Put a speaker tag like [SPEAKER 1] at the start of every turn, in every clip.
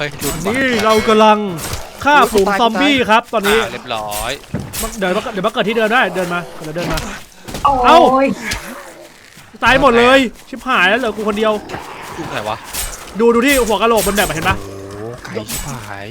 [SPEAKER 1] ฮ้ย
[SPEAKER 2] นี่เรากำลังฆ่าฝูงซอมบี้ครับตอนนี้
[SPEAKER 1] เรียบร้อย
[SPEAKER 2] เดี๋ยวมาเกิดที่เดิมได้เดินมาเดินมา
[SPEAKER 3] โอ้ย
[SPEAKER 2] ตายหมดเลยชิบหายแล้วเหลือกูคนเดียว
[SPEAKER 1] อยู่ไหนวะ
[SPEAKER 2] ดูที่หัวกะโหลกบนแบบเห็นปะ
[SPEAKER 1] โอ้ไก่ชิบหาย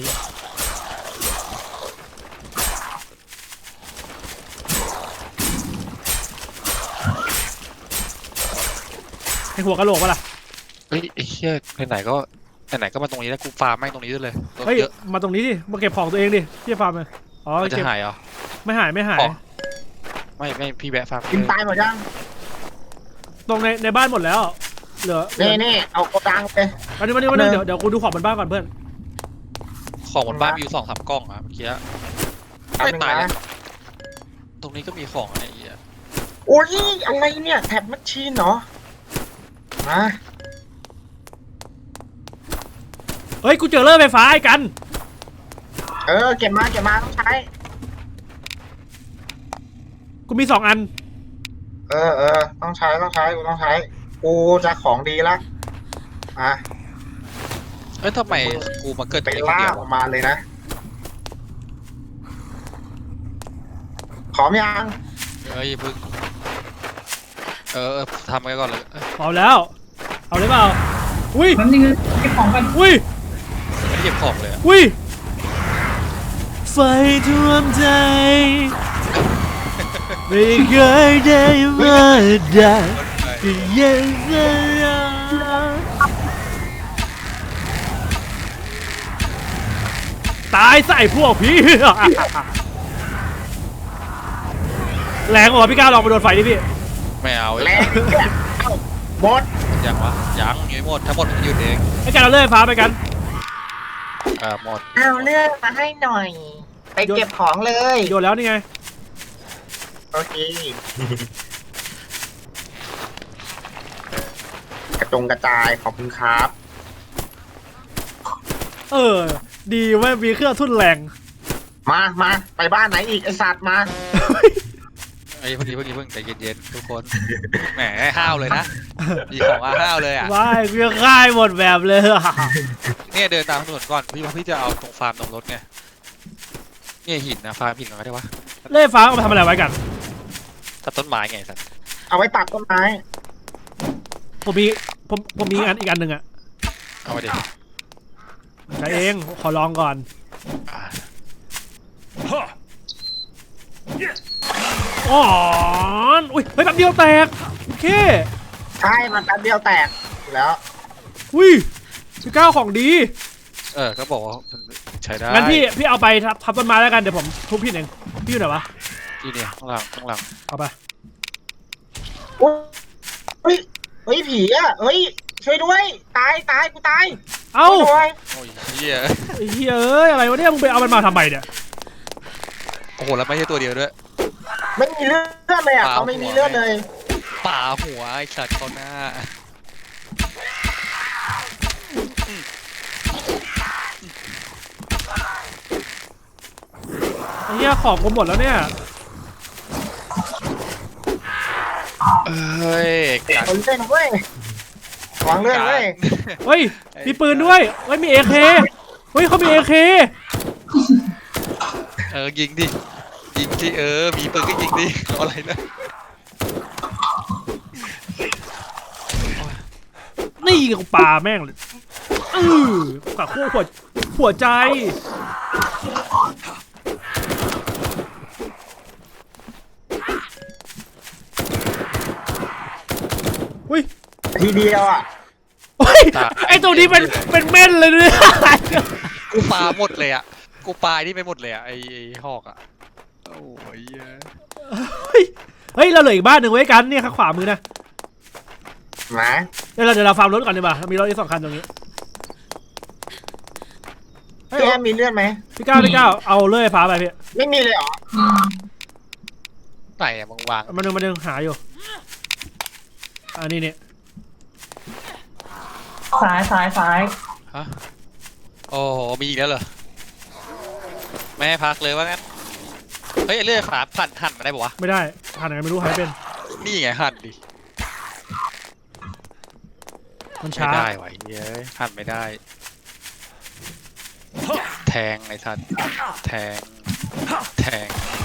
[SPEAKER 2] ให้หัวกะโหลกปะล่ะ
[SPEAKER 1] เฮ้ยไอ้เหี้ยไหนก็มาตรงนี้แล้วกูฟาร์มแม่งตรงนี้เลย
[SPEAKER 2] เฮ้ยมาตรงนี้ดิมาเก็บของตัวเองดิพี่ฟาร์มเลยอ๋อ
[SPEAKER 1] จะหายเหรอ
[SPEAKER 2] ไม่หายไม่
[SPEAKER 1] พี่แวะฟาร์ม
[SPEAKER 3] กินตายหมดยัง
[SPEAKER 2] ตรงในบ้านหมดแล้วเหลือ
[SPEAKER 3] นี่เอากระดังไป
[SPEAKER 2] วันนี้เดี๋ยวกูดูของบนบ้านก่อนเพื่อน
[SPEAKER 1] ของบนบ้านมีอยู่2-3กล่องอะเมื่อกี้ไม่ตายนะตรงนี้ก็มีของอะไรอีกอะ
[SPEAKER 3] โอ้ยอะไรเนี่ยแท็บแมชชีนเหรอมา
[SPEAKER 2] เฮ้ยกูเจอเลื่อยไฟฟ้าไอ้กัน
[SPEAKER 3] เก็บมาต้องใช้
[SPEAKER 2] กูมี2 อัน
[SPEAKER 3] ต้องใช้กูต้องใช้กูจะของดีละ
[SPEAKER 1] ทำไมกูมาเกิด
[SPEAKER 3] ไปล่าออกมาเลยนะขอมยัง
[SPEAKER 1] พึ่งทำกันก่อนเลย
[SPEAKER 2] พร้อมแล้วเอาเลยเปล่าอุ้ย
[SPEAKER 3] มันยังเก็บของกัน
[SPEAKER 2] อุ้ย
[SPEAKER 1] ไม่เก็บของเลย
[SPEAKER 2] อุ้ยไฟท่วมใจไม่เคยได้มาได้ก็ยังตายใส่พวกพี่แรงกว่าพี่ก้าวลองไปโดนไฟดิพี่
[SPEAKER 1] ไม่เอา
[SPEAKER 3] แรงหมด
[SPEAKER 1] ยังวะยังหมดทั้งหมดมันหยุดเอง
[SPEAKER 2] ไอ้กันเราเลื่อยฟ้าไปกัน
[SPEAKER 1] หมด
[SPEAKER 3] เอาเลื่อยมาให้หน่อยไปเก็บของเลย
[SPEAKER 2] โยนแล้วนี่ไง
[SPEAKER 3] โอเคกระจงกระจายขอบคุณครับ
[SPEAKER 2] ดีว่ามีเครื่องทุ่นแรง
[SPEAKER 3] มาไปบ้านไหนอีกไอสัตว์มา
[SPEAKER 1] เพิ่งใจเย็นๆทุกคนแหมห้าวเลยนะมีของห้าวเลยอ่ะ
[SPEAKER 2] ว้ายเพื่อค่ายหมดแบบเลย
[SPEAKER 1] เนี่ยเดินตามถนนก่อนพี่จะเอาตรงฟาร์มตรงรถไงเนี่ยหินนะฟาร์มหินอะไรได้วะ
[SPEAKER 2] เลื่อยฟ้าเอาไปทำอะไรไว้กัน
[SPEAKER 1] ตัดต้นไม้ไงสัตว์
[SPEAKER 3] เอาไว้ตัดต้นไม้
[SPEAKER 2] ผมมีอีกอันหนึ่งอะ
[SPEAKER 1] เอาไปดิ
[SPEAKER 2] ใช้เองขอลองก่อนอ๋ออุ้ยเฮ้ยแป๊บเดียวแตกโอเค
[SPEAKER 3] ใช่มันแป๊บเดียวแตกแล้ว
[SPEAKER 2] อุ้ยพี่ก้าวของดี
[SPEAKER 1] ก็บอกว่าใช้ได้
[SPEAKER 2] งั้นพี่เอาไปทับต้นไม้แล้วกันเดี๋ยวผมทุบพี่เองพี่อยู่ไหนวะ
[SPEAKER 1] ที่เนี่ยข้างหลัง
[SPEAKER 2] เอาไป
[SPEAKER 3] เฮ้ยผีอ่ะเฮ้ยช่วยด้วยตายกูตาย
[SPEAKER 2] เอ้า
[SPEAKER 1] โอ้ยเฮีย
[SPEAKER 2] อะไรวะเนี่ยมึงไปเอามันมาทำไมเนี่ย
[SPEAKER 1] โอ้โหแล้วไม่ใช่ตัวเดียวด้วย
[SPEAKER 3] ไม่มีเลือดเลยอ่ะเขาไม่มีเลือดเลย
[SPEAKER 1] ป่าหัวไอ้สัตว์เขาหน้า
[SPEAKER 2] เฮียของกูหมดแล้วเนี่ย
[SPEAKER 1] เฮ้ย
[SPEAKER 3] คนเล่นเว้ย วางเลื่อนเลย
[SPEAKER 2] เฮ้ยมีปืนด้วยเฮ้ยมีเอเคเฮ้ยเขามีเอเค
[SPEAKER 1] ยิงดิยิงที่มีปืนก็ยิงดิอะไรนะ
[SPEAKER 2] นี่กูปาแม่งเลยกับคู่หัวใจอุ้ย
[SPEAKER 3] ทีเดียวอ่ะ
[SPEAKER 2] ไอตัวนี้เป็นเม่นเลยเนี่ย
[SPEAKER 1] กูปาหมดเลยอ่ะกูปาที่ไปหมดเลยอ่ะไอหอกอ่ะโอ้ย
[SPEAKER 2] เฮ้ยเราเหลืออีกบ้านหนึ่งไว้กันเนี่ยข้างขวามือนะ
[SPEAKER 3] มา
[SPEAKER 2] เดี๋ยวเราฟาร์มรถก่อนดีกว่ามีรถอีก2 คันตรงนี้
[SPEAKER 3] พี่แอมมีเลือดไหม
[SPEAKER 2] พี่ก้าวเอาเลื่อยฟ้าไปพี่
[SPEAKER 3] ไม่มีเลยเหรอ
[SPEAKER 1] ไหนอะมึงวาง
[SPEAKER 2] มาดึงหาอยู่อันนี้เนี่ย
[SPEAKER 3] ซ้าย
[SPEAKER 1] ฮะโอ้โหมีอีกแล้วเหรอแม่พักเลยว่างั้นเฮ้ยเลื่อยฟ้าหั่นมาได้ปะวะ
[SPEAKER 2] ไม่ได้หั่นยังไงไม่รู้หายเป็น
[SPEAKER 1] นี่ไงหั่นดิ
[SPEAKER 2] มันช้า
[SPEAKER 1] ไม่ได้ไหวเย้ยหั่นไม่ได้แทงไอ้สัตว์แทงแทง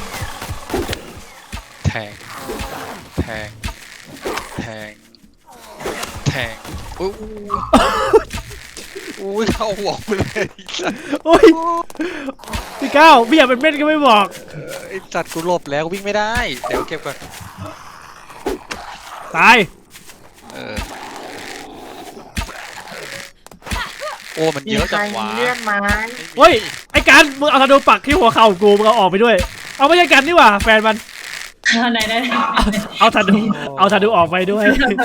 [SPEAKER 1] แทงแทงแทงแทงอุ้ยเข้าหัวไปเลยไอ้สัตว์
[SPEAKER 2] โอ้ยพี่ก้าวพี่อยากเป็นเม่นก็ไม่บอก
[SPEAKER 1] ไอ้สัตว์กูหลบแล้ววิ่งไม่ได้เดี๋ยวเก็บก่อน
[SPEAKER 2] ตาย
[SPEAKER 1] โอ้มันเยอะจังวะ
[SPEAKER 3] มีใครมีเลือดไหม
[SPEAKER 2] เฮ้ยไอ้การมึงเอาธนูปักที่หัวเข่ากูมึงเอาออกไปด้วยเอาไม่ใช่กันนี่หว่าแฟนมัน
[SPEAKER 4] ไหน
[SPEAKER 2] เอาธนูออกไปด้วย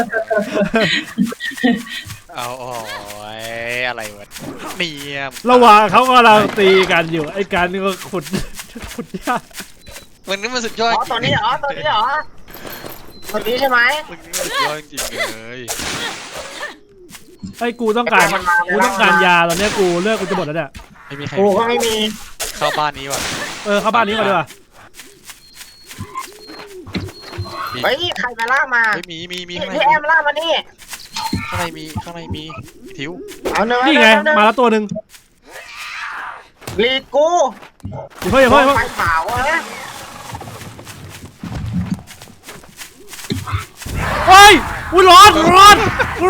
[SPEAKER 1] เอาโอ้ยอะไรวะเนี่ย
[SPEAKER 2] ระหว่างเขากำลังตีกันอยู่ไอ้การนี่ก็ขุดหญ้า
[SPEAKER 1] มันนี่มันสุดยอ
[SPEAKER 3] อ๋
[SPEAKER 1] ด
[SPEAKER 3] อตัวนี้เหรอตัวนี้เหรอตัวนี้ใช่ไหม
[SPEAKER 1] มันนี่มันสุดยอดจริงๆเลย
[SPEAKER 2] ไอ้กูต้องการยาตอนนี้กูเลือกกูจะหมดแล้วเนี่ย
[SPEAKER 1] ไม่มีใคร
[SPEAKER 3] กูก็ไม่มี
[SPEAKER 1] เข้าบ้านนี้ว่ะ
[SPEAKER 2] เข้าบ้านนี้ก่อนดีกว่า
[SPEAKER 3] เฮ้ยใครมาล่ามา
[SPEAKER 1] ไม่มีข้างใน
[SPEAKER 3] พี่แอมล่ามานี่
[SPEAKER 1] ข้างในมีทิว
[SPEAKER 3] เอาเนื้อ
[SPEAKER 2] นี่ไงมาแล้วตัวหนึ่ง
[SPEAKER 3] ลีกู
[SPEAKER 2] อย่าเพิ่ง
[SPEAKER 3] ไฟเผาอะนะ
[SPEAKER 2] เฮ้ยกูร้อนโอ้ย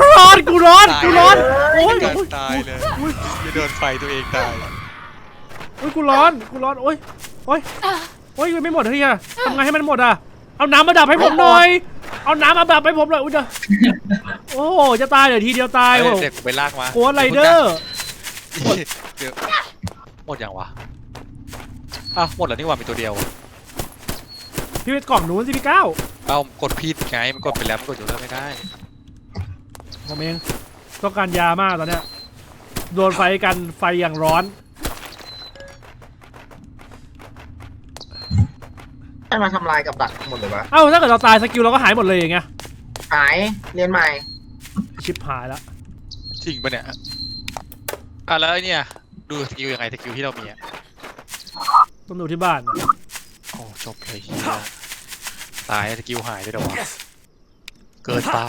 [SPEAKER 1] การตายเลยจะโดนไฟตัวเองตาย
[SPEAKER 2] กูร้อนโอ้ยยังไม่หมดเลยอ่ะทำไงให้มันหมดอ่ะเอาน้ำมาดับให้ผมหน่อยเอาน้ำมาดับให้ผมหน่อยอุ้ยโอ้จะตายเดี๋ยวทีเดียวตายโอ้
[SPEAKER 1] เด็กไปลากมา
[SPEAKER 2] โคตรไรเดอร์
[SPEAKER 1] เดี๋ยวหมดยังวะอ้าวหมดแล้วนี่ว่ามีตัวเดียว
[SPEAKER 2] พี่ไปกล่องนู้นสิพี่ก้าว
[SPEAKER 1] เอากดผิดไงมันกดไปแล้วมันกดอยู่แล้วไม่ได้
[SPEAKER 2] ผมเองต้องการยามากตอนเนี้ยโดนไฟกันไฟอย่างร้อน
[SPEAKER 3] ให้มาทำลายกับดักหมดเลยวะ
[SPEAKER 2] เอ้าถ้าเกิดเราตายสกิลเราก็หายหมดเลยอย่างเงี้ย
[SPEAKER 3] หายเรียนใหม่
[SPEAKER 2] ชิปหายแล้ว
[SPEAKER 1] จริงปะเนี่ยแล้วไอ้เนี่ยดูสกิลยังไงสกิลที่เรามีอ่ะ
[SPEAKER 2] ต้องดูที่บ้าน
[SPEAKER 1] โอ้จบเลยเฮียตายสกิลหายได้หรอวะเกิดไป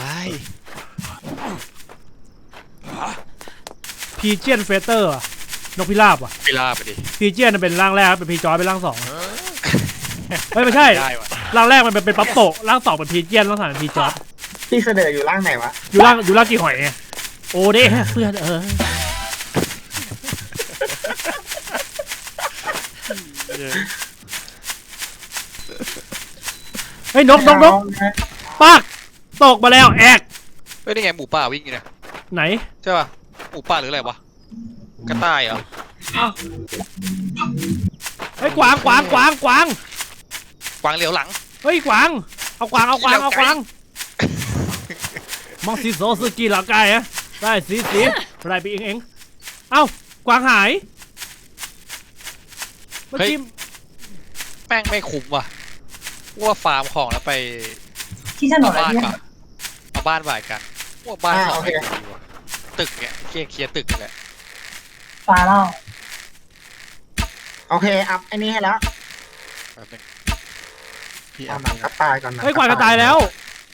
[SPEAKER 2] พีเจียนเฟเตอร์นกพิราบว่ะ
[SPEAKER 1] ไปล่าไปดิ
[SPEAKER 2] พีเจียนเป็นร่างแรกเป็นพีจอยเป็นร่างสองเฮ้ยไม่ใช่
[SPEAKER 1] ได้วะ
[SPEAKER 2] ร่างแรกมันเป็นปั๊บโตะร่างสองเป็นพีเจียนร่างสามเป็นพีจอย
[SPEAKER 3] พี่เสนออยู่ร่างไหนวะ
[SPEAKER 2] อยู่ร่างกี่หอยไงโอ้เด้เพื่อนเฮ้ยนกปากตกมาแล้วแอก
[SPEAKER 1] เฮ้ยนี่ไงหมูป่าวิ่งอยู่เนี่ย
[SPEAKER 2] ไหน
[SPEAKER 1] ใช่ป่ะหมูป่าหรืออะไรวะกระต่ายเหรอ
[SPEAKER 2] เฮ้ยกวาง
[SPEAKER 1] กวางเหลียวหลัง
[SPEAKER 2] เฮ้ยกวางเอากวางมองสีโซซึกิหลังไก่ฮะได้สีอะไรไปเองเอ้ากวางหายเมื่อกี้
[SPEAKER 1] แม่งไม่คุ้มว่ะว่าฟาร์มของแล้วไป
[SPEAKER 4] ที่ถนนอะไร
[SPEAKER 1] บ้าน
[SPEAKER 4] เนี่ย
[SPEAKER 1] ป่ะเอาบ้านบ่ายกันว่าบ้านของไม่ดีว่ะตึกเนี่ยเคลียร์ตึกนี่แหละ
[SPEAKER 4] ฟ้าเล่า
[SPEAKER 3] โอเคอัพไอ้นี่ให้แล้ว
[SPEAKER 1] แป๊บนึงพี่
[SPEAKER 3] เอา
[SPEAKER 1] เอา
[SPEAKER 3] หนังกระต่ายก่อนนะ
[SPEAKER 2] เฮ้ยกวางจะตายแล้ว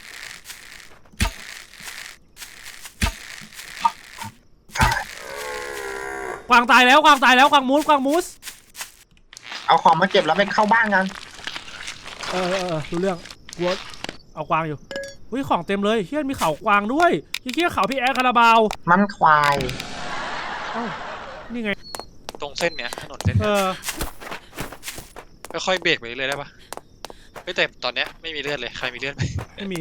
[SPEAKER 2] กวางตายแล้วกวางมูส
[SPEAKER 3] เอาของมาเก็บแล้วไปเข้าบ้านกัน
[SPEAKER 2] รู้เรื่องกลัวเอากวางอยู่เฮ้ยของเต็มเลยเฮียมีเขากวางด้วยเฮียเขาพี่แอร์คาราบาว
[SPEAKER 3] มันควาย
[SPEAKER 2] นี่ไง
[SPEAKER 1] ตรงเส้นเนี้ยถนนเส้นเนี้ยค่อยๆเบรกไปเรื่อยได้ปะไม่แต่ตอนเนี้ยไม่มีเลือดเลยใครมีเลือดไหม
[SPEAKER 2] ไม่มี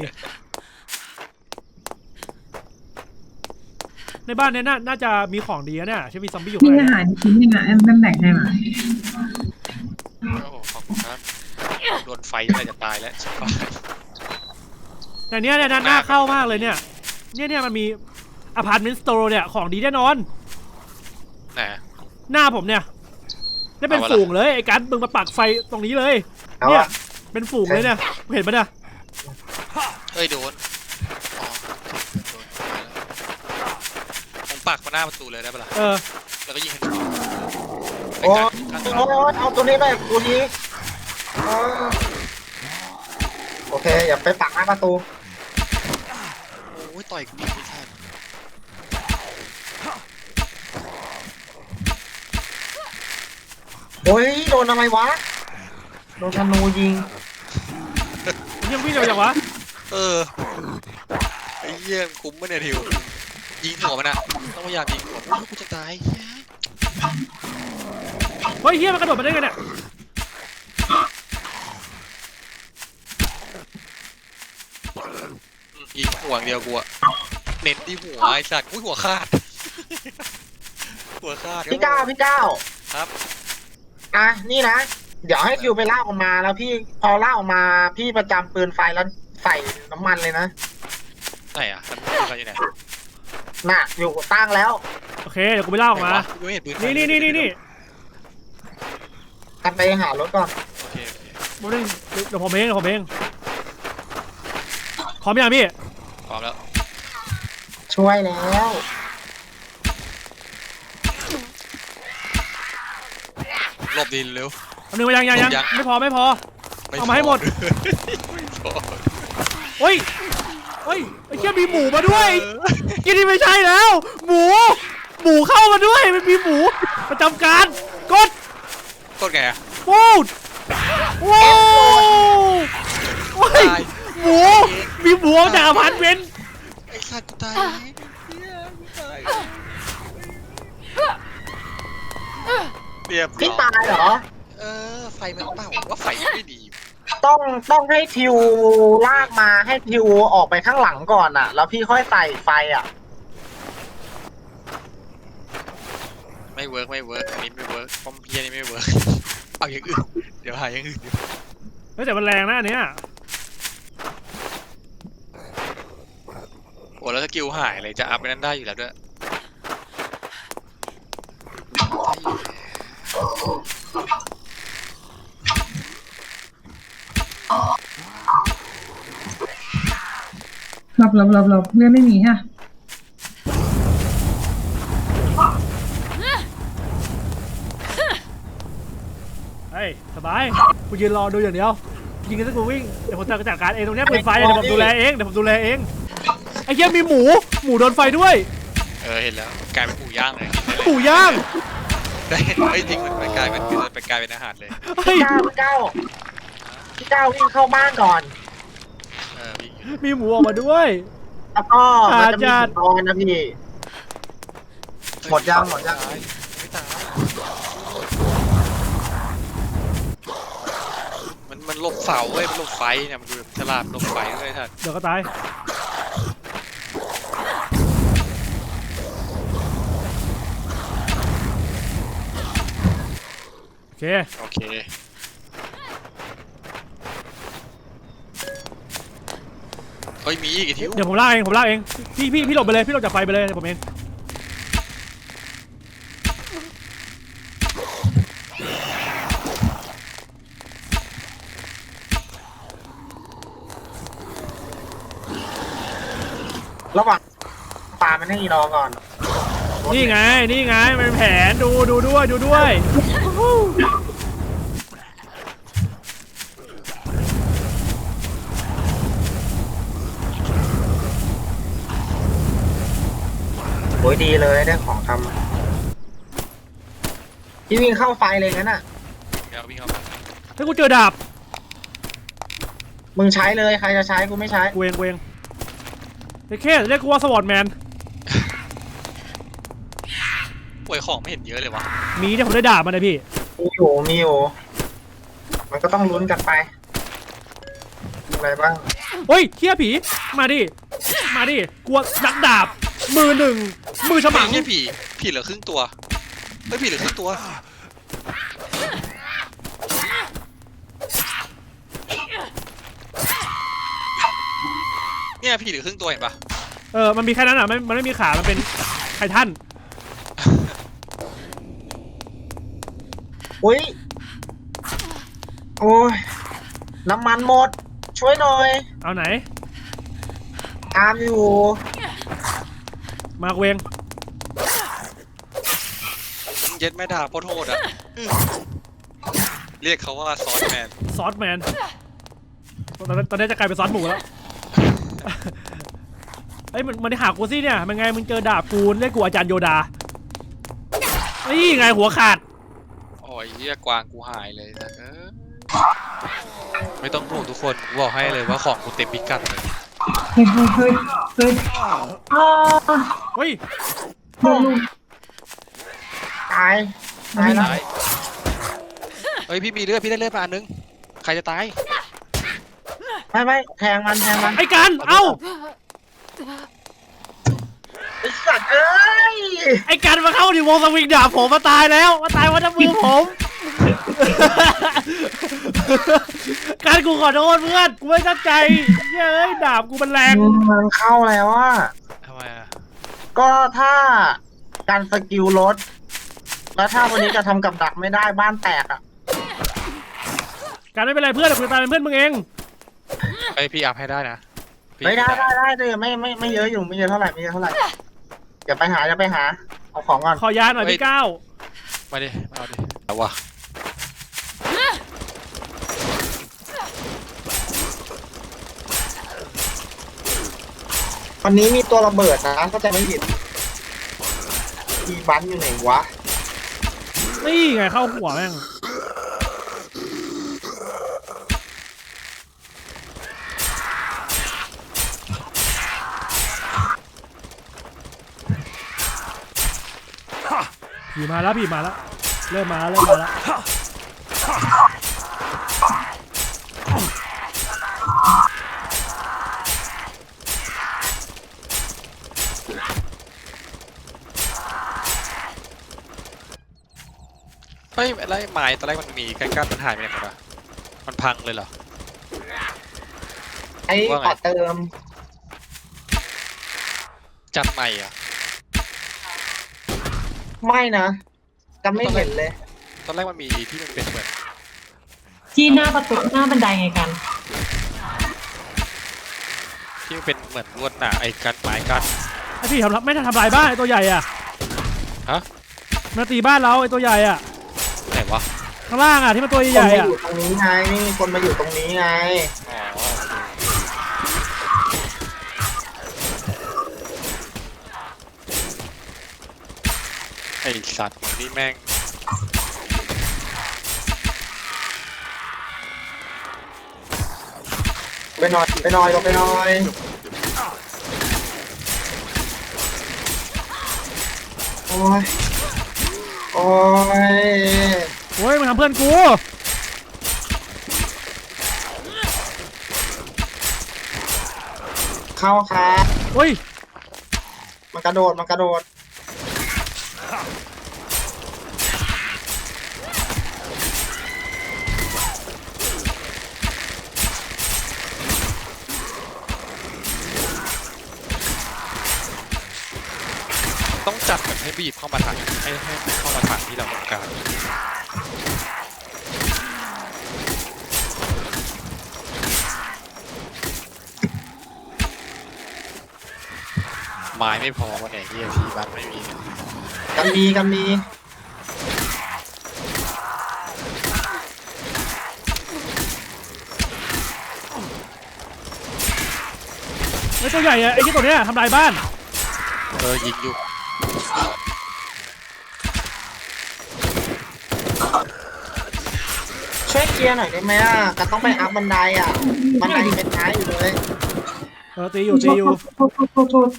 [SPEAKER 2] ในบ้านเนี้ยน่าจะมีของดีนะเนี่ยใช่มีซอมบี้อยู่
[SPEAKER 4] มี
[SPEAKER 2] ข้างใน
[SPEAKER 4] อาหารชิ้นหนึ่งอ่ะแอมแบ่งให้มา
[SPEAKER 1] โอ้โหขอบคุณครับโดนไฟอะไรจะตายแล้วชิบหาย
[SPEAKER 2] แต่เนี้ยน่าเข้ามากเลยเนี่ยมันมีอพาร์ตเมนต์สโตร์เนี่ยของดีแน่นอน
[SPEAKER 1] ไหน
[SPEAKER 2] หน้าผมเนี่ยได้เป็น
[SPEAKER 1] เอาวะ
[SPEAKER 2] ฝูงเลยไอ้การมึงมาปักไฟตรงนี้เลย
[SPEAKER 3] เอา
[SPEAKER 2] เนี่ย
[SPEAKER 3] อะ
[SPEAKER 2] เป็นฝูงเลยเนี่ยเห็นปะเนี่ย
[SPEAKER 1] เฮ้ยโดนอ๋อโดนผมปักมาหน้าประตูเลยได้ปะล่ะแล้วก็ยิงให้
[SPEAKER 3] โอ้เอาตัวนี้ไปตัวนี้โอเคอย่าไปปักหน้าประตู
[SPEAKER 1] โอ้ยต่อยกูไม่ใช่
[SPEAKER 3] นอะไรวะโดนธนูยิง
[SPEAKER 2] ยังวิ่งเร็วอย่างวะ
[SPEAKER 1] เออไอ้เหี้ยคุ้มปะเนี่ยทิวยิงหัวมันอะต้องพยายามยิงหัวมันกูจะตายเฮ้ย
[SPEAKER 2] เฮ้ยเฮียมันกระโดดมาได้ไงเนี่ย
[SPEAKER 1] ยิงหัวอย่างเดียวกูอะเน้นที่หัวไอ้สัตว์อุ้ยหัวขาดหัวขาด
[SPEAKER 3] พี่ก้าว
[SPEAKER 1] ครับ
[SPEAKER 3] อ่ะนี่นะเดี๋ยวให้ทิวไปลากออกมาแล้วพี่พอลากออกมาพี่ประจำปืนไฟแล้วใส่น้ำมันเลยนะ
[SPEAKER 1] ไหนอะมันปืนไฟอยู่ไหน
[SPEAKER 3] น่ะอยู่ตั้งแล้ว
[SPEAKER 2] โอเคเดี๋ยวกูไปเล่าออกมา
[SPEAKER 1] กูไม่เห็นปืนไฟ
[SPEAKER 2] นี่
[SPEAKER 3] กันไปหารถก่อน
[SPEAKER 1] โอเค
[SPEAKER 2] โมเดลเดี๋ยวผมเองพร้อมยังพี่
[SPEAKER 1] พร้อมแล้ว
[SPEAKER 3] ช่วยแล้ว
[SPEAKER 1] หลบดินเร็ว
[SPEAKER 2] เอาหนึ่งมายังไม่พอ เอามาให้หมด เฮ้ยไอ้เชี่ยมีหมูมาด้วยกินนี่ไม่ใช่แล้ว หมูเข้ามาด้วยมันมีหมูประจำการกด
[SPEAKER 1] กดไงอะ
[SPEAKER 2] ปูดว้าวโอ้ยหมูมีหมูออกจากอพาร์ตเมนต์
[SPEAKER 1] ไอ้สัตว์กูตายเรียบร้
[SPEAKER 3] พี่
[SPEAKER 1] อย
[SPEAKER 3] ตายเหรอ
[SPEAKER 1] ไฟมันเปล่าว่าไฟไม่ดี
[SPEAKER 3] ต้องให้ทิวลากมาให้ทิวออกไปข้างหลังก่อนอ่ะ แล้วพี่ค่อยใส่ไฟอ่ะ
[SPEAKER 1] ไม่เวิร์กอันนี้ไม่เวิร์กป้อมเพียนี่ไม่เวิร์กเอาอย่างอื่นเดี๋ยวหาอย่างอื่น
[SPEAKER 2] เฮ้ยแต่มันแรงนะอันเนี้ย
[SPEAKER 1] โอ้แล้วสกิลหายเลยจะอัพไปนั้นได้อยู่แล้วด้วย
[SPEAKER 4] หลบเลื่อนไม่มีฮะ
[SPEAKER 2] เฮ้ยสบายกูยืนรอดูอย่างเดียวยิงกันสักกูวิ่งเดี๋ยวผมจัดการเองตรงเนี้ยเป็นไฟเดี๋ยวผมดูแลเองไอ้เหี้ยมีหมูโดนไฟด้วย
[SPEAKER 1] เห็นแล้วกลายเป็นหมูย่างเลย
[SPEAKER 2] หมูย่าง
[SPEAKER 1] ได้ไม่จริงมันไปกลายเป็นอาหารเลย
[SPEAKER 2] เฮ้ย
[SPEAKER 3] พี่ก้าววิ่งเข้าบ้านก่อน
[SPEAKER 1] พี่
[SPEAKER 2] มีหมูออกมาด้วย
[SPEAKER 3] แล้วก็มันจะมี
[SPEAKER 2] อาจารย์
[SPEAKER 3] ถุงนอนนะพี่ หมดยัง
[SPEAKER 1] ไม่ตายมันหลบเสาเว้ยมันหลบไฟเนี่ยมันดูฉลาดหลบไฟด้วยท่าน
[SPEAKER 2] เดี๋ยวก็ตายโอเค
[SPEAKER 1] เฮ้ยมีอีกทิว
[SPEAKER 2] เดี๋ยวผมลากเองพี่หลบไปเลยพี่หลบจากไฟไปเลยเดี๋ยวผมเอง
[SPEAKER 3] ระหว่างปามันให้อีรอก่อน
[SPEAKER 2] นี่ไงมันเป็นแผนดูด้วย
[SPEAKER 3] โอ้ยดีเลยได้ของทำพี่วิ่งเข้าไฟเลยงั้นอ่ะ
[SPEAKER 1] เดี๋ยววิ่งเข้ามา
[SPEAKER 2] ถ้ากูเจอดาบ
[SPEAKER 3] มึงใช้เลยใครจะใช้กูไม่ใช้
[SPEAKER 2] กูเองไอ้แค่เรียกกูว่าสวอตแมน
[SPEAKER 1] ป่วยของไม่เห็นเยอะเลยวะ
[SPEAKER 2] มีเนี่ยผมได้ดาบมาเลยพี่
[SPEAKER 3] มีอยู่มันก็ต้องลุ้นกันไปมีอะไรบ้าง
[SPEAKER 2] เฮ้ยเฮียผีมาดิกลัวนักดาบมือหนึ่งมือฉมัง
[SPEAKER 1] ไม่ใช่ผีเหลือครึ่งตัวไม่ผีเหลือครึ่งตัวเนี่ยผีเหลือครึ่งตัวเห็นปะ
[SPEAKER 2] มันมีแค่นั้นอ่ะมันไม่มีขามันเป็นไททัน
[SPEAKER 3] อุ้ยโอ้ยน้ำมันหมด ช่วยหน่อย
[SPEAKER 2] เอาไหน
[SPEAKER 3] ตามอยู่
[SPEAKER 2] มาเวง
[SPEAKER 1] เย็ดแม่ด่าโคตรโหดอ่ะเรียกเขาว่าซอสแมน
[SPEAKER 2] ซอสแมนตอนนี้จะกลายเป็นซอสหมูแล้วเอ้ยมันได้หากูสิเนี่ยมันไงมึงเจอดาบกูเรียกกูอาจารย์โยดานี่ไงหัวขาด
[SPEAKER 1] โอ้ยเหี้ยกวางกูหายเลยนะไม่ต้องห่วงทุกคนกูบอกให้เลยว่าของกูเต็มพิกัดเลย
[SPEAKER 4] เฮ้ยเฮ้ยเฮ้ยเฮ้ยอ่า
[SPEAKER 2] เฮ้ย
[SPEAKER 4] โดนลูก
[SPEAKER 3] ตายตายแล้ว
[SPEAKER 1] ตายเฮ้ยพี่มีเลือดพี่ได้เลือดมาอันนึงใครจะตาย
[SPEAKER 3] ไม่แทงมัน
[SPEAKER 2] ไอ้กันเอ้า
[SPEAKER 3] ไอ้สัตว์เอ้ย
[SPEAKER 2] ไอ้กันมาเข้าดิวงสวิงดาบผมมาตายแล้วมาตายวันน้ำมือผมการกูขอโทษเพื่อนกูไม่ตั้งใจเฮ้ยดาบกูมันแรง
[SPEAKER 3] มันเข้าแล้วอ่ะ
[SPEAKER 1] ทำไมอะ
[SPEAKER 3] ก็ถ้าการสกิลลดแล้วถ้าวันนี้จะทำกับดักไม่ได้บ้านแตกอ่ะ
[SPEAKER 2] การไม่เป็นไรเพื่อนกูจะตายเป็นเพื่อนมึงเอง
[SPEAKER 1] ไอยพี่อัพให้ได้นะพี่
[SPEAKER 3] ไม่ได้เลยไม่เยอะอยู่ไม่เยอะเท่าไหร่อย่าไปหาเอาของก่อน
[SPEAKER 2] ขอยาหน่อยพี่ก้าว
[SPEAKER 1] มาดิมาเอาดิเอาวะ
[SPEAKER 3] วันนี้มีตัวระเบิดนะก็จะไม่ผิดมีบันอยู่ไหนวะ
[SPEAKER 2] นี่ไงเข้าหัวแม่งผีมาแล้วเริ่มมาแล้ว
[SPEAKER 1] เฮ้ยอะไรไม้ตอนแรกมันมีกั้นมันหายไปไหนหมดอะมันพังเลยเหรอ
[SPEAKER 3] ไอ้
[SPEAKER 1] ว่าไง
[SPEAKER 3] ขอเติม
[SPEAKER 1] จัดใหม่อะ
[SPEAKER 3] ไม่นะจะไม่เห็นเลย
[SPEAKER 1] ตอนแรกมันมีที่มันเป็นเหมือน
[SPEAKER 4] ที่หน้าประตูหน้าบันไดไงกัน
[SPEAKER 1] ที่มันเป็นเหมือนลวดหนาไอ้กันไม้กัน
[SPEAKER 2] ไอ้พี่ไม่ทำลายบ้านไอ้ตัวใหญ่อะ
[SPEAKER 1] ฮะ
[SPEAKER 2] มาตีบ้านเราไอ้ตัวใหญ่อะ
[SPEAKER 1] ไหนวะ
[SPEAKER 2] ข้างล่างอะที่มันตัว
[SPEAKER 3] ค
[SPEAKER 2] ให
[SPEAKER 3] น
[SPEAKER 2] ญ่
[SPEAKER 3] มา
[SPEAKER 2] อะ
[SPEAKER 3] อยู่ตรงนี้ไงคนมาอยู่ตรงนี้ไง
[SPEAKER 1] อ๋อไอสัตว์มึงนี่แม่ง
[SPEAKER 3] ไปหน่อยลงไปหน่อยโอ้ย
[SPEAKER 2] โอ้ยมันทำเพื่อนกู
[SPEAKER 3] เข้าครับ
[SPEAKER 2] โอ้ย
[SPEAKER 3] มันกระโดด
[SPEAKER 1] ต้องจัดแบบให้บีบเข้ามาถังให้เข้ามาถังที่เราต้องการไม้ไม่พอวันไหนที่พี่บ้านไม่มี
[SPEAKER 3] กันมี
[SPEAKER 2] ไอ้ตัวใหญ่อะไอ้ที่ตัวเนี้ยทำลายบ้าน
[SPEAKER 1] ยิงอยู่
[SPEAKER 3] ช่วยเคลียร์หน่อยได้ไหมอ่ะกันต้องไปอัพบันไดอ่ะบันไดเป็นท้ายอยู่เลย
[SPEAKER 2] ตีอยู่
[SPEAKER 4] โทษ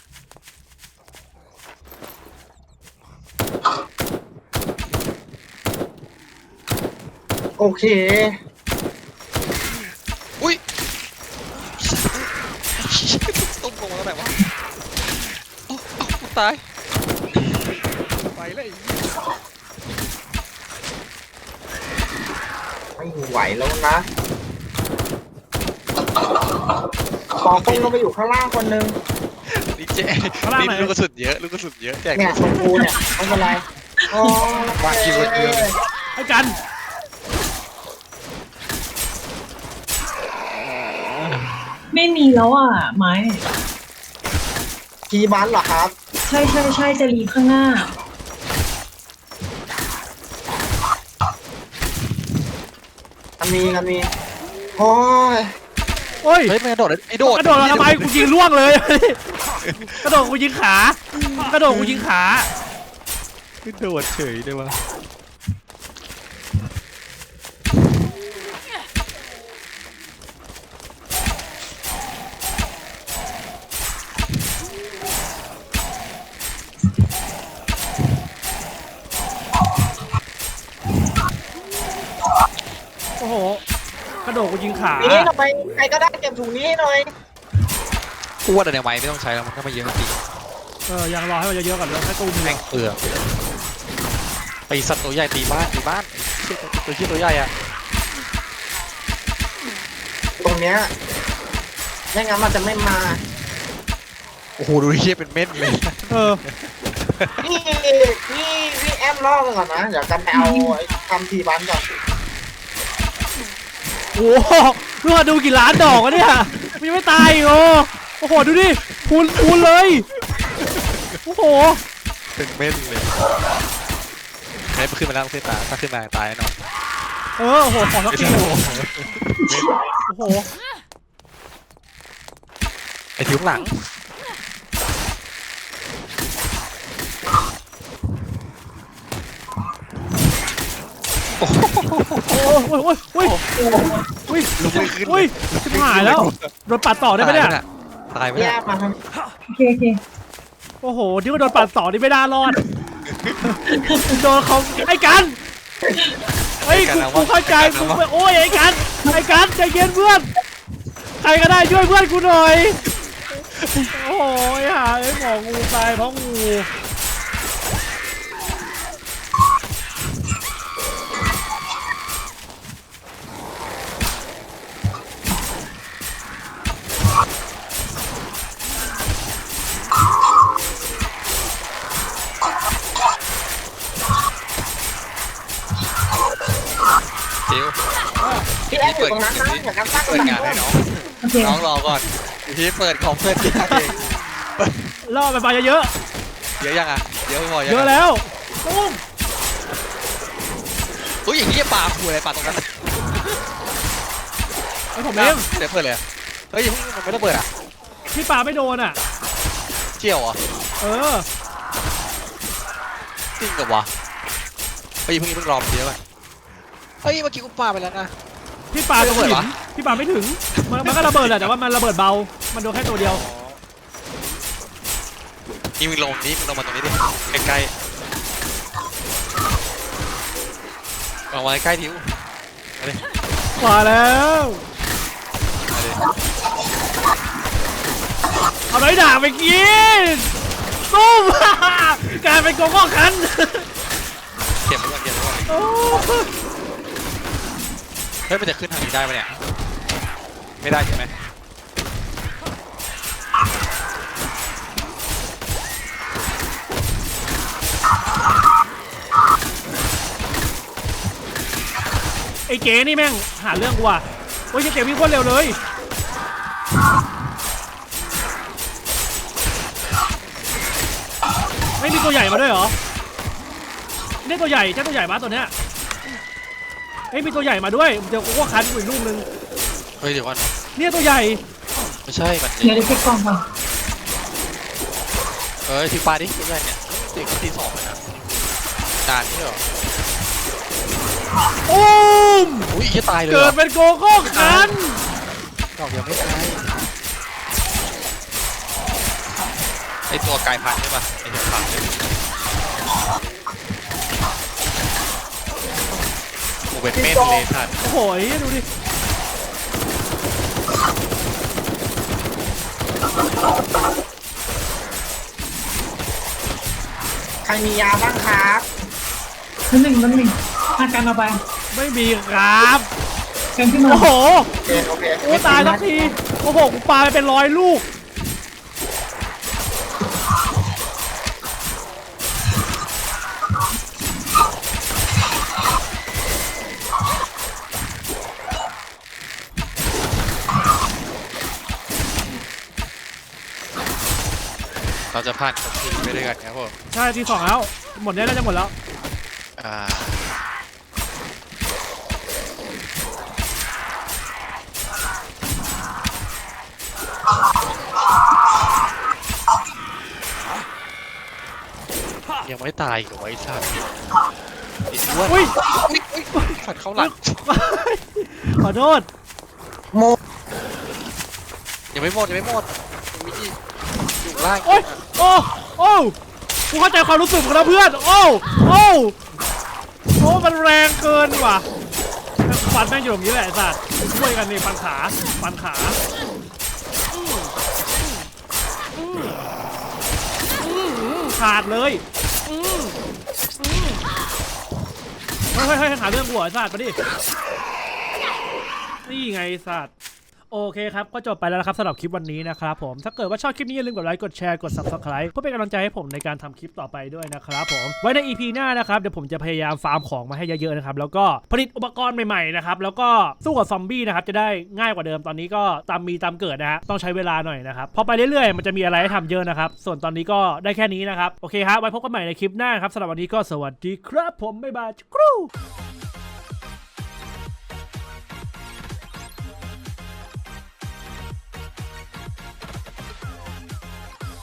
[SPEAKER 3] โอเค
[SPEAKER 1] อุ้ยตุ้มลงมาแล้วไหนวะโอ้กูตายไปเลย
[SPEAKER 3] ไม่ไหวแล้วนะขอคนลงไปอยู่ข้างล่างคนนึง
[SPEAKER 1] นี่เจ๊นี่ลูกกระสุนเยอะแจก
[SPEAKER 3] เนี่ยชมพูเนี่ยไม่เป็นไรโอ้
[SPEAKER 1] วางคิวเดียว
[SPEAKER 2] ไอ้กัน
[SPEAKER 4] ไม่มีแล้วอ่ะไม้
[SPEAKER 3] กีบันเหรอครับ
[SPEAKER 4] ใช่จะรีข้างหน้า
[SPEAKER 3] กันมีโอ้ย
[SPEAKER 2] โอ้ย
[SPEAKER 1] เฮ้ยมันกระโดดไอ้โดด
[SPEAKER 2] กระโดดมาทำไมกูยิงล่วงเลย กระโดดกูยิงขากระโดดกูยิงขา
[SPEAKER 1] โดดเฉยเลยวะ
[SPEAKER 2] ระโดดกูยิงขา
[SPEAKER 3] นี่ทำไมใครก็ได้เก็บถุงนี้ให้หน่อย
[SPEAKER 1] กูว่าแต่ในไม้ไม่ต้องใช้แล้วมันก็ไม่เยอะจริง
[SPEAKER 2] ยังรอให้มันเยอะๆก่อนแล้วให้ตู้มี
[SPEAKER 1] แม่งเปลือกไอสัตว์ตัวใหญ่ตีบ้านตัวชี้ตัวใหญ่อะ
[SPEAKER 3] ตรงเนี้ยไม่งั้นมันจะไม่มา
[SPEAKER 1] โอ้โหดูเชี่ยเป็นเม็ดเลย
[SPEAKER 3] นี่แอมล่อกันก่อนนะเดี๋ยวกันไปเอาไอ้ทำทีบ้านก่อน
[SPEAKER 2] โอ้โหดูมาดูกี่ล้านดอกวะเนี่ยมันยังไม่ตายอีกโอ้โหดูดิคูณเลยโอ้โห
[SPEAKER 1] เป็นเม็ดเลยไอ้ขึ้นมาแล้วเส้นตาถ้าขึ้นมาตายแน่นอน
[SPEAKER 2] โอ้โหของทักทีโอ้โห
[SPEAKER 1] ไอ้ทิ้งหลัง
[SPEAKER 2] โอ้ย
[SPEAKER 1] ลุกไม่ขึ้น
[SPEAKER 2] ชิบหายแล้วโดนปัดต่อได้ไหมเนี่ย
[SPEAKER 1] ตายไป
[SPEAKER 3] แย
[SPEAKER 1] แล้ว
[SPEAKER 3] กมาท
[SPEAKER 4] โอเค
[SPEAKER 2] โอ้โหที่ว่าโดนปัดต่อนี่ไม่น่ารอดโดนเขาไอ้กันเฮ้ยกูเข้าใจกูโอ้ยไอ้กันใจเย็นเพื่อนใครก็ได้ช่วยเพื่อนกูหน่อยโอ้ยหาไอ้หมองูตายเพราะงู
[SPEAKER 1] จิ๋ว
[SPEAKER 3] ำพี่แอมอยู่ตรงนั้นนะเดี๋ยวกันตั้ง
[SPEAKER 1] เปิดงานให้น้อง
[SPEAKER 4] โอเค
[SPEAKER 1] น้องรอก่อนพี่เปิดของเพื่อนยากเอง
[SPEAKER 2] ล่อไปเยอะ
[SPEAKER 1] เยอะยังอ่ะเยอะพอยัง
[SPEAKER 2] เยอะแล้วตุ้ม
[SPEAKER 1] อุ้ยอย่างนี้จะปาขู่อะไรปาตรงนั้น
[SPEAKER 2] ไอ้ผมเอง
[SPEAKER 1] เดี๋ยวเปิดเลยเฮ้ยมันไม่ต้องเปิดอ่ะ
[SPEAKER 2] พี่ปาไม่โดนอ่ะ
[SPEAKER 1] เชี่ยวเหรอ
[SPEAKER 2] เออ
[SPEAKER 1] จริงกับวะเฮ้ยเพิ่งรอเยอะไปเฮ้ยเมื่อกี้กูปาไปแล้วนะ
[SPEAKER 2] พี่ปา
[SPEAKER 1] ไม่ระเบิด
[SPEAKER 2] ถึง
[SPEAKER 1] วะ
[SPEAKER 2] พี่ปาไม่ถึงมันก็ระเบิดแหละแต่ว่ามันระเบิดเบามันโดนแค่ตัวเดียว
[SPEAKER 1] นี่มึงลงนี่มึงลงมาตรงนี้ดิใกล้ๆลงมาใกล้ๆทิวมาดิ
[SPEAKER 2] มาแล้ว
[SPEAKER 1] มาดิ
[SPEAKER 2] เอาไม้ด่างไปกินตุ้ม กลายเป็นโกโก้คัน
[SPEAKER 1] เก็บไว้ก่อนเก็บไว้ก่อน
[SPEAKER 2] โอ้
[SPEAKER 1] เฮ้ยมันจะขึ้นทางนี้ได้ปะเนี่ยไม่ได้ใช่ไหม
[SPEAKER 2] ไอ้เก๋นี่แม่งหาเรื่องกูว่ะโอ้ยเก๋วิ่งโคตรเร็วเลย ไม่มีตัวใหญ่มาด้วยเหรอเนี่ยตัวใหญ่เจ้าตัวใหญ่มาตัวเนี้ยเฮ้ยมีตัวใหญ่มาด้วยเดี๋ยวกูก็คันอีกลูกนึง
[SPEAKER 1] เฮ้ยเดี๋ยวก่อน
[SPEAKER 2] เนี่ยตัวใหญ่
[SPEAKER 1] ไม่ใช่มัน
[SPEAKER 4] เดี๋ยวเช็คกล่องก่อน
[SPEAKER 1] เฮ้ยทิวปลาดิทิวได้เนี่ยตีตีสองเลยนะนานนี่เหรอ
[SPEAKER 2] โอ้ม
[SPEAKER 1] อุ้ยจะตายเลย
[SPEAKER 2] เกิดเป็นโกโก้คัน
[SPEAKER 1] ดอกยังไม่ตายไอตัวกายพันธุ์ใช่ปะไอตัวพันธุ์เนี่ยโอ้เป็นเม็ดเลยท่าน
[SPEAKER 2] โอ้โหดูดิ
[SPEAKER 3] ใครมียาบ้างครับ
[SPEAKER 4] นั่นหนึ่งอาการเอาไป
[SPEAKER 2] ไม่มีครับ
[SPEAKER 4] กันขึ้นมา
[SPEAKER 2] โอ้โห
[SPEAKER 3] โอเค
[SPEAKER 2] โอ้ตายทักทีโอ้โหกูปาไปเป็น100 ลูก
[SPEAKER 1] เราจะผ่านคนทีไปด้วยกันครับผม
[SPEAKER 2] ใช่ที่ 2แล้วหมดเนี้ยน่าจะหมดแล้ว
[SPEAKER 1] อ่ายังไม่ตายอีกับไอ้สัตว์ไอ้อ้วน
[SPEAKER 2] อุ้ย
[SPEAKER 1] อุ้ยสัตว์เข้าหลัง
[SPEAKER 2] ขอโทษ
[SPEAKER 3] โม
[SPEAKER 1] ยังไม่หมดยังไม่หมดยังมีอีกอยู่ล่าง
[SPEAKER 2] โอ้ยโอ้โอ้กูเข้าใจความรู้สึกของเราเพื่อนโอ้โอ้โอ้มันแรงเกินว่ะฟันแม่งอยู่ตรงนี้แหละไอ้สัตว์ช่วยกันนี่ฟันขาฟันขาขาดเลยเฮ้ยหาเรื่องกูเหรอไอ้สัตว์มาดินี่ไงไอ้สัตว์โอเคครับก็จบไปแล้วนะครับสำหรับคลิปวันนี้นะครับผมถ้าเกิดว่าชอบคลิปนี้อย่าลืมกดไลค์กดแชร์กด Subscribe เพื่อเป็นกำลังใจให้ผมในการทำคลิปต่อไปด้วยนะครับผมไว้ใน EP หน้านะครับเดี๋ยวผมจะพยายามฟาร์มของมาให้เยอะๆนะครับแล้วก็ผลิตอุปกรณ์ใหม่ๆนะครับแล้วก็สู้กับซอมบี้นะครับจะได้ง่ายกว่าเดิมตอนนี้ก็ตามเกิดนะฮะต้องใช้เวลาหน่อยนะครับพอไปเรื่อยๆมันจะมีอะไรให้ทำเยอะนะครับส่วนตอนนี้ก็ได้แค่นี้นะครับโอเคครับไว้พบกันใหม่ในคลิปหน้าครับสำหรับวันนี้ก็สวัสดีครับผมบ๊ายบาย